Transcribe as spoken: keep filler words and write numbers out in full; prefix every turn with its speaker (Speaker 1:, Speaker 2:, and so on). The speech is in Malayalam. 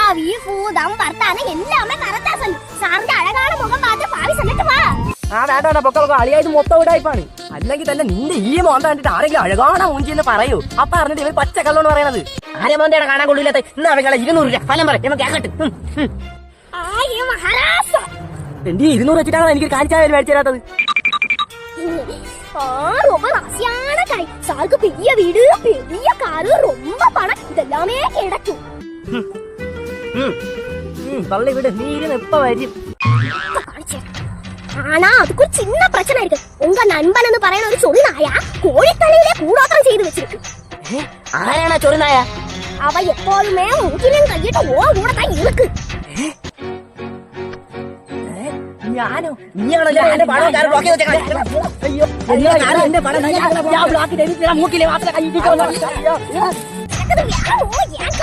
Speaker 1: வீஃபூதம் வர்த்தான எல்லாமே கரெக்டா சொல்லு. സാറിന്റെ അഴകാണ് മുഖം பார்த்து പാവി ചെന്നിട്ട് വാ.
Speaker 2: ആ വേണ്ട വേണ്ട പൊക്കളൊക്കെ അളിയായത് മൊത്തം ഇടായിപ്പാണ്. അല്ലെങ്കിൽ തന്നെ നിന്റെ ഈ മോന്ത കണ്ടിട്ട് ആരെങ്കിലും അഴകാണ മൂഞ്ചി എന്ന് പറയൂ. അപ്പൊ അറിഞ്ഞിട്ട് ഇവർ പച്ചക്കള്ളോന്ന് പറയണത്. ആരെ മോന്തയുടെ കാണാൻ കൊള്ളില്ലാത്ത ഇന്ന് അവകളെ ഇരുന്നൂറ് രൂപ ഫലം പറയും നമുക്ക് കേക്കട്ടെ. എന്റെ ഇരുന്നൂറ് വെച്ചിട്ടാണ് എനിക്ക് കാലിച്ചായ മേടിച്ചു തരാത്തത്.
Speaker 1: ரொம்ப ராசியான கடை. சாருக்கு பெரிய வீடு, பெரிய காரு, ரொம்ப பணம், இதெல்லாமே கிடைக்கும்.
Speaker 2: பள்ளி விடு, நீ இருന്ന് எப்ப வரும்?
Speaker 1: ஆனா அதுக்கு ஒரு சின்ன பிரச்சனை இருக்கு. உங்க நண்பன் എന്ന് പറയുന്ന ഒരു ചൊറിനായ കോഴിത്തലയിലെ കൂടോത്രം ചെയ്തു വെച്ചിരിക്കും.
Speaker 2: ആരാണ് ചൊറിനായ?
Speaker 1: അവ എപ്പോഴുമേ മൂക്കിലും കൈയിട്ട് ഓ കൂടെ കൈ ഇളുക്ക്.
Speaker 2: ഞാനോ? നീയാണല്ലോ എന്റെ പണം ഞാൻ ബ്ലോക്ക് ചെയ്ത് വെച്ചേക്കാം. അയ്യോ ഞാനും എന്റെ പണം ഞാൻ ബ്ലോക്ക് ചെയ്ത് മൂക്കിലെ മാത്രം കൈ ഇട്ടിട്ടോ.